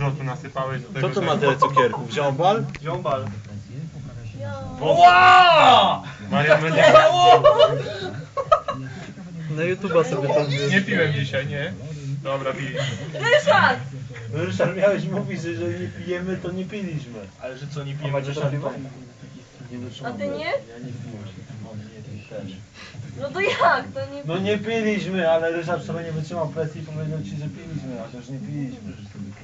trotu nasypałeś do Co tego, to ma tyle cukierków? Ziombal? Ziombal. Ła! Marian będzie... Na YouTube'a sobie tam Nie piłem dzisiaj, nie? Dobra, pij. Ryszard! Ryszard, miałeś mówić, że jeżeli nie pijemy, to nie piliśmy. Ale że co, nie A pijemy macie to Ryszard? piwo? A ty nie? Ja nie piłem. Mam nie też. No to jak? To nie... No nie piliśmy, ale Ryszard sobie nie wytrzymał presji i powiedział ci, że piliśmy, a też nie piliśmy.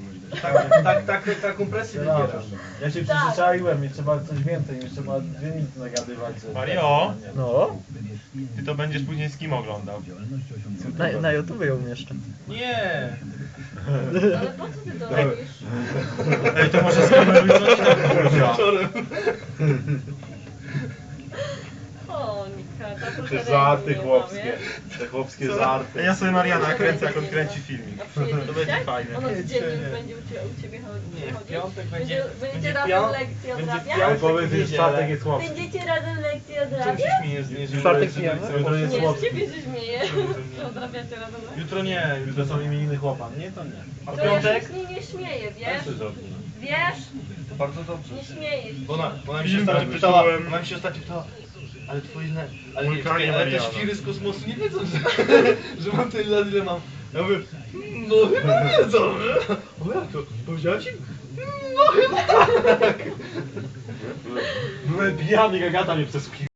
Taką presję Przepraszam. wybierasz. Ja się przyzwyczaiłem i trzeba coś więcej, niż trzeba 2 minuty nagadywać. że- Mario? No? Ty to będziesz później z kim oglądał? Na YouTube ją umieszczę. Nie. Ale po co ty to robisz? Ej, to może skameruj coś tak, kurwa. O, Nika, ta proszę Te żarty ręki nie chłopskie. łamie. Te chłopskie żarty. Ja sobie Mariana kręcę, jak on kręci filmik. A przyjedzie To będzie dzisiaj? fajne. Ona z dziennik będzie u ciebie Nie, w chodzić? piątek Będziecie razem lekcje odrabiać? Ale powiedz, że w czwartek jest chłopski. Będziecie razem lekcje Czym się odrabiać? śmiejesz? Nie, W czwartek pijemy? Jutro jest Nie, z chłopski. ciebie się śmieję. Że odrabiacie razem lekcje. Jutro nie. Jutro są imieniny chłopa. Nie, to nie. A To ja się piątek? z niej nie śmieję, wiesz? Co zrobisz? Wiesz? Bardzo dobrze. Nie śmieję się. Bo ona mi się Film ostatnio pytała, wysłałem. ona mi się ostatnio pytała, ale twoi ale nie, Wulkanie czekaj, ale te Mariana. świry z kosmosu nie wiedzą, że mam tyle lat, ile mam. Ja mówię, no chyba wiedzą, że? O jak to? Powiedziałem ci? No chyba tak. Byłem pijany, Agata mnie przesłuchiwała.